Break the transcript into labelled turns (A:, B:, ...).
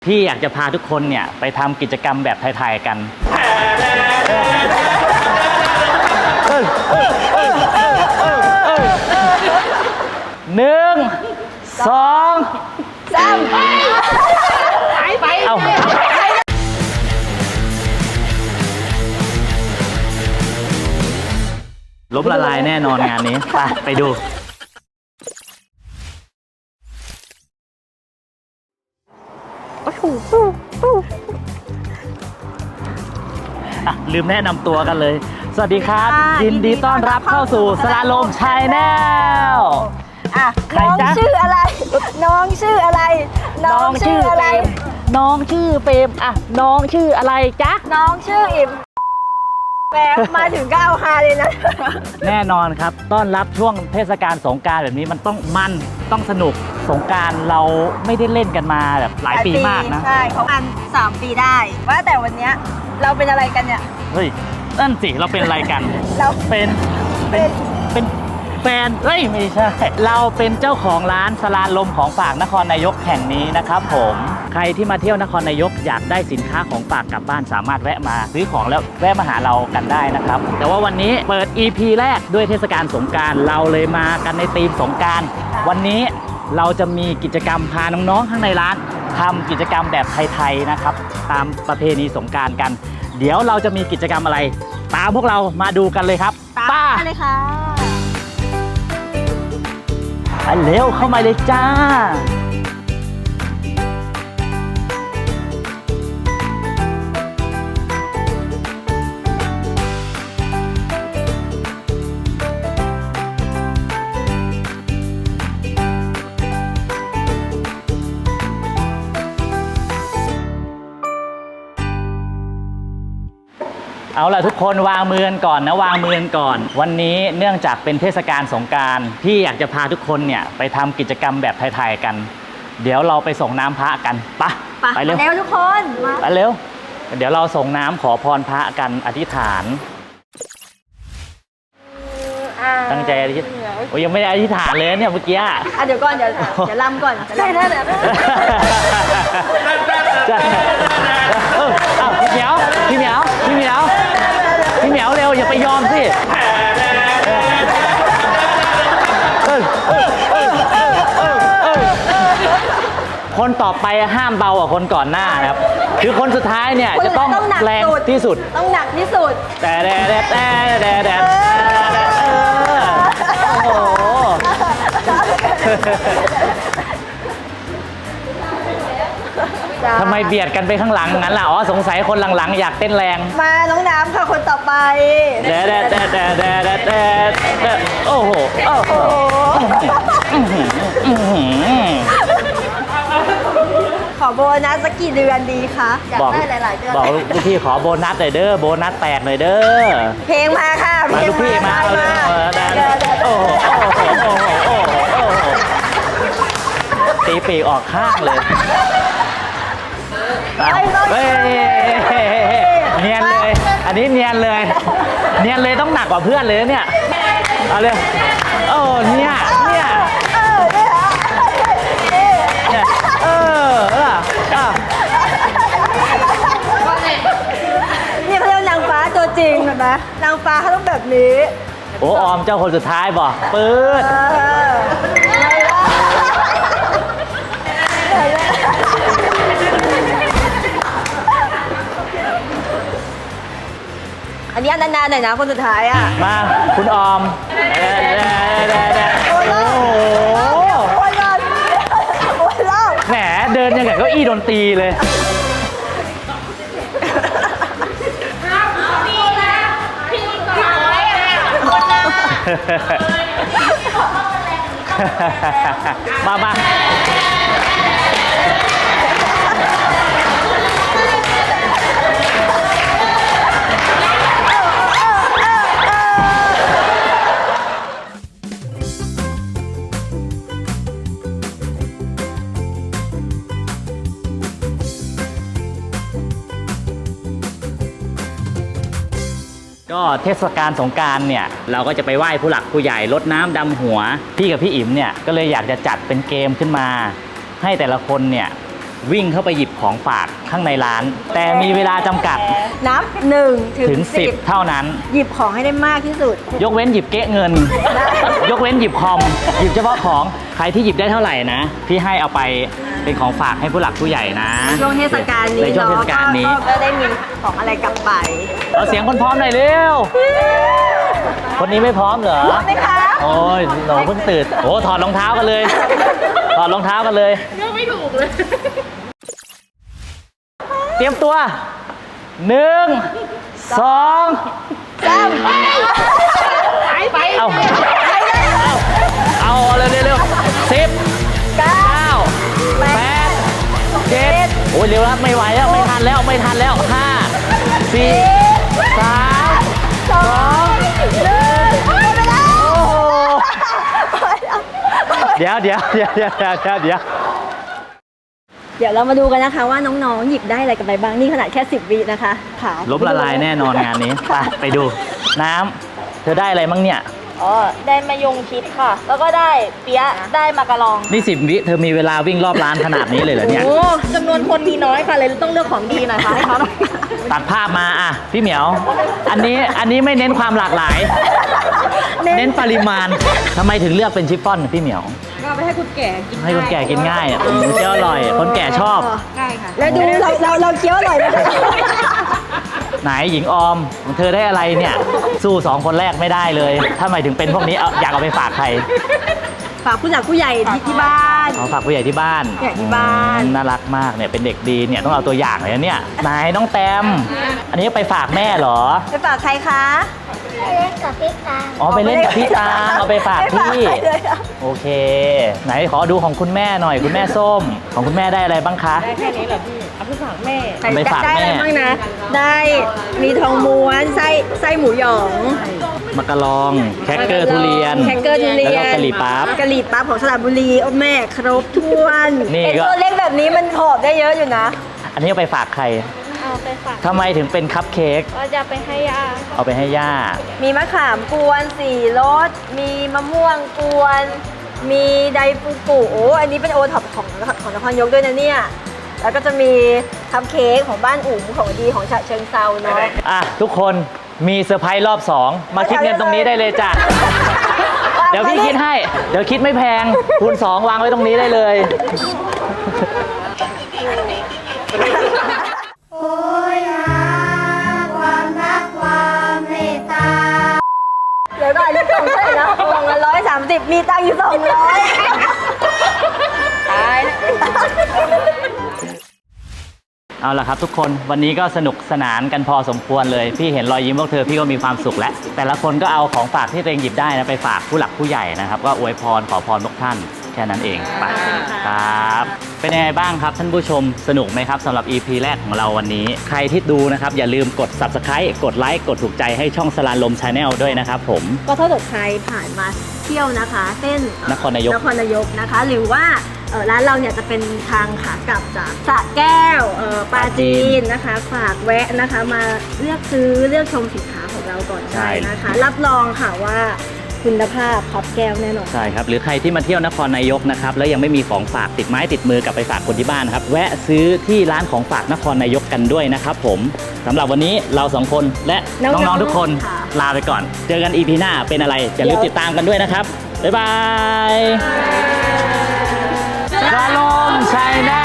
A: พี่อยากจะพาทุกคนเนี่ยไปทำกิจกรรมแบบไทยๆกัน1 2
B: 3ไป
A: เอาล้มละลายแน่นอนงานนี้ไปดูลืมแนะนำตัวกันเลย สวัสดีครับยินดีต้อนรับเข้าสู่สลาลมชาแนล
B: น้องชื่ออะไรน้องชื่ออะไรน้องชื่ออะไร
A: น้องชื่อเฟรมน้องชื่ออะไรจ๊ะ
B: น้องชื่ออิ่มแหมมาถึงก็เอาฮาเลยนะ
A: แน่นอนครับต้อนรับช่วงเทศกาลสงกรานต์แบบนี้มันต้องสนุกสงกรานต์เราไม่ได้เล่นกันมาแบบหลายปีมากนะ
B: ใช่เขาอัน3 ปีได้ว่าแต่วันนี้เราเป็นอะไรกันเนี่ย
A: เฮ้ยนั่นสิเราเป็นอะไรกัน
B: เรา
A: เป็นแฟนไม่ใช่เราเป็นเจ้าของร้านสลาลมของฝากนครนายกแห่งนี้นะครับผมใครที่มาเที่ยวนครนายกอยากได้สินค้าของฝากกลับบ้านสามารถแวะมาซื้อของแล้วแวะมาหาเรากันได้นะครับแต่ว่าวันนี้เปิด EP แรกด้วยเทศกาลสงกรานต์เราเลยมากันในธีมสงกรานต์วันนี้เราจะมีกิจกรรมพาน้องๆข้างในร้านทำกิจกรรมแบบไทยๆนะครับตามประเพณีสงกรานต์กันเดี๋ยวเราจะมีกิจกรรมอะไรตามพวกเรามาดูกันเลยครับ
B: ตามเลยค่ะ
A: ไปเร็วเข้ามาเลยจ้าเอาล่ะทุกคนวางมือกันก่อนนะวางมือกันก่อนวันนี้เนื่องจากเป็นเทศกาลสงกรานต์พี่อยากจะพาทุกคนเนี่ยไปทำกิจกรรมแบบไทยๆกันเดี๋ยวเราไปส่งน้ำพระกันไปเร็ว
B: ทุกคน
A: ไปเร็วเดี๋ยวเราส่งน้ำขอพรพระกันอธิษฐานตั้งใจอธิษฐานโอ้ยังไม่ได้อธิษฐานเลยเนี่ยเมื่อกี้
B: เดี๋ยวก่อนเดี๋ยวลำก่อนได้
A: พี่เหมียวเร็วอย่าไปยอมสิคนต่อไปห้ามเบากว่าคนก่อนหน้านะครับคือคนสุดท้ายเนี่ยจะต้องแรงที่สุด
B: ต้องหนักที่สุด
A: แต่โอ้โหทำไมเบียดกันไปข้างหลังงั้นล่ะสงสัยคนหลังๆอยากเต้นแรง
B: มาน้องน้ำค่ะคนต่อไป
A: โอ้โห
B: ขอโบนัสสักกี่เดือนดีคะอยากได้หลายๆเดือน
A: บอกลูกพี่ขอโบนัสหน่อยเด้อโบนัสแตกหน่อยเด้อ
B: เพลงมาค่ะ
A: มาลูกพี่มาโอ้โหตีปีกออกข้างเลยเนียนเลยอันนี้เนียนเลยต้องหนักกว่าเพื่อนเลยเนี่ยเอาเลยเนี่ย
B: นี่เขาเรียกนางฟ้าตัวจริงเห็นไหมนางฟ้าเขาต้องแบบนี้
A: ออมเจ้าคนสุดท้ายบอกปื๊ด
B: อันนี้นานๆหน่อยนะคนสุดท้าย
A: มาคุณออม
B: โอ้ย
A: แหมเดินยังไงก็อี้ดนตรีเลยมา ก็เทศกาลสงกรานต์เนี่ยเราก็จะไปไหว้ผู้หลักผู้ใหญ่รดน้ำดำหัวพี่กับพี่อิ๋มเนี่ยก็เลยอยากจะจัดเป็นเกมขึ้นมาให้แต่ละคนเนี่ยวิ่งเข้าไปหยิบของฝากข้างในร้าน แต่มีเวลาจำกัด
B: นับ1
A: ถึ
B: ถึ
A: ง
B: ง
A: 10 เท่านั้น
B: หยิบของให้ได้มากที่สุด
A: ยกเว้นหยิบเก๊ะเงิน ยกเว้นหยิบคอม หยิบเฉพาะของ ใครที่หยิบได้เท่าไหร่นะ พี่ให้เอาไปเป็นของฝากให้ผู้หลักผู้ใหญ่นะ
B: ช่วงเทศกาลนี้
A: ในช่วงเทศกาลนี้
B: ก็ได้มีของอะไรกลับไป
A: เอาเสียงคนพร้อมหน่อยเร็ว คนนี้ไม่พร้อมเหรอ
B: พร้อมไหมคะ
A: โอ้ยหนูเพิ่งตื่นโอ้ถอดรองเท้ากันเลย ถอดรองเท้ากันเลยเลือกไม่ถูกเลย เตรียมตัว 1 2
B: 3
A: เอาเร็ว10 9 8 7โอ้ยเร็วแล้วไม่ไหวแล้วไม่ทันแล้ว5 4 3 2 1 โอ้โหเดี๋ยว
B: เดี๋ยวเรามาดูกันนะคะว่าน้องๆหยิบได้อะไรกันไปบ้างนี่ขนาดแค่10 วินะคะค่ะ
A: ล้มละลายแน่นอนงานนี้ ไปดูน้ำเธอได้อะไรมั่งเนี่ย
C: อ๋อ ได้มะยงชิดค่ะ แล้วก็ได้เปี๊ยะ ได้มะกะลอง
A: นี่10 วิเธอมีเวลาวิ่งรอบร้านขนาดนี้เลยเหรอเนี่ย
C: โอ้จำนวนคนมีน้อยค่ะ เลยต้องเลือกของดีหน่อยค่ะให้เขาหน่อย
A: ตัดภาพมาอ่ะพี่เหมียว อันนี้ไม่เน้นความหลากหลาย เน้นปริมาณทำไมถึงเลือกเป็นชิฟฟ่อนพี่เหมียว
C: ก็ไปให้คุณแก่กิน
A: ให้คนแก่กินง่ายเคี้ยวอร่อย คนแก่ชอบ
C: ได้ค่ะ
B: แล้วดูเราเคี้ยวอร่อยไหมคะ
A: ไหนหญิงออมของเธอได้อะไรเนี่ย สู้2 คนแรกไม่ได้เลยถ้าหมายถึงเป็นพวกนี้อยากเอาไปฝากใคร
B: ฝากผู้หลักผู้ใหญ่ที่บ้าน
A: เอาฝากผู้ใหญ่ที่บ้าน
B: ผู้ใหญ่ที่บ้าน
A: น่ารักมากเนี่ยเป็นเด็กดีเนี่ยต้องเอาตัวอย่างเลยนะเนี่ยไหนน้องแตมอันนี้ไปฝากแม่เหรอ
B: ไปฝากใครคะ
A: อ๋อไปเล่นกับพี่ตาเอาไปฝาก
B: ไม่ฝาก
A: พี่
B: ใครเลยอะ
A: โอเค ไหนขอดูของคุณแม่หน่อยคุณแม่ส้ม ของคุณแม่ได้อะไรบ้างคะ
C: ได้แค่นี้เหรอพี่ เอาไปฝากแม่
A: เอาไปฝาก
B: ได้อะไร
A: แม่
B: บ้างนะ ได้มีทองม้วนไส้หมูหยอง
A: มะกะลองแครกเกอร์ทุเรียน
B: แครกเกอร์ทุเรียน
A: แล้วก็กะหรี่ปั๊บ
B: กะหรี่ปั๊บของสระบุรีโอ้แม่ครบถ้วน
A: นี่
B: ไอ้
A: ก็
B: ตัวเล็กแบบนี้มันหอบได้เยอะอยู่นะ
A: อันนี้เอาไปฝากใคร
C: เอาไปฝาก
A: ทำไมถึงเป็นคัพเค้ก
C: ก็จะไปให้ย่า
A: เอาไปให้ย่า
B: มีมะขามกวน4รสมีมะม่วงกวน มีไดฟูกุโอ้อันนี้เป็นโอท็อปของนครนายกด้วยนะเนี่ย แล้วก็จะมีคัพเค้กของบ้านอุ๋มของดีของฉะเชิงเซาเนาะ
A: อ่ะทุกคนมีเซอร์ไพรส์รอบ 2 มาคิดเงินตรงนี้ได้เลยจ้ะ เดี๋ยวพี่คิดให้ เดี๋ยวคิดไม่แพงคูณ 2 วางไว้ตรงนี้ได้เลย
D: โอ้ยหาความรักความเมตตา
B: เดี๋ยวก่อนนี่ส่งเท่าไหร่นะวงละ130 มีตังค์อยู่200ตายแล้ว
A: เอาล่ะครับทุกคนวันนี้ก็สนุกสนานกันพอสมควรเลย พี่เห็นรอยยิ้มพวกเธอพี่ก็มีความสุขแล้วแต่ละคนก็เอาของฝากที่ตัวเองหยิบได้นะไปฝากผู้หลักผู้ใหญ่นะครับก็อวยพรขอพรทุกท่านแค่นั้นเองไปครับเป็นยังไงบ้างครับท่านผู้ชมสนุกไหมครับสำหรับ EP แรกของเราวันนี้ ใครที่ดูนะครับอย่าลืมกด Subscribe กดไลค์กดถูกใจให้ช่องสลานลม Channel ด้วยนะครับผม
B: ก็ถ้าเกิดใครผ่านมาเที่ยวนะคะเส้น
A: นครนายก
B: นะคะ หรือว่าร้านเราเนี่ยจะเป็นทางขากลับจากสระแก้วปราจีนนะคะ ฝากแวะนะคะมาเลือกซื้อเลือกชมสินค้าของเราก่อน
A: ใช่
B: ได้นะคะ รับรองค่ะว่าคุณภาพครับแก้วแน่นอน
A: ใช่ครับหรือใครที่มาเที่ยวนครนายกนะครับแล้วยังไม่มีของฝากติดไม้ติดมือกลับไปฝากคนที่บ้านนะครับแวะซื้อที่ร้านของฝากนครนายกกันด้วยนะครับผมสำหรับวันนี้เรา2คนและ
B: น้
A: น้
B: องๆ
A: องๆทุกคน
B: ค่ะ
A: ลาไปก่อน เจอกัน EP หน้าเป็นอะไรอย่าลืมติดตามกันด้วยนะครับบ๊ายบายสลาลมชัยแน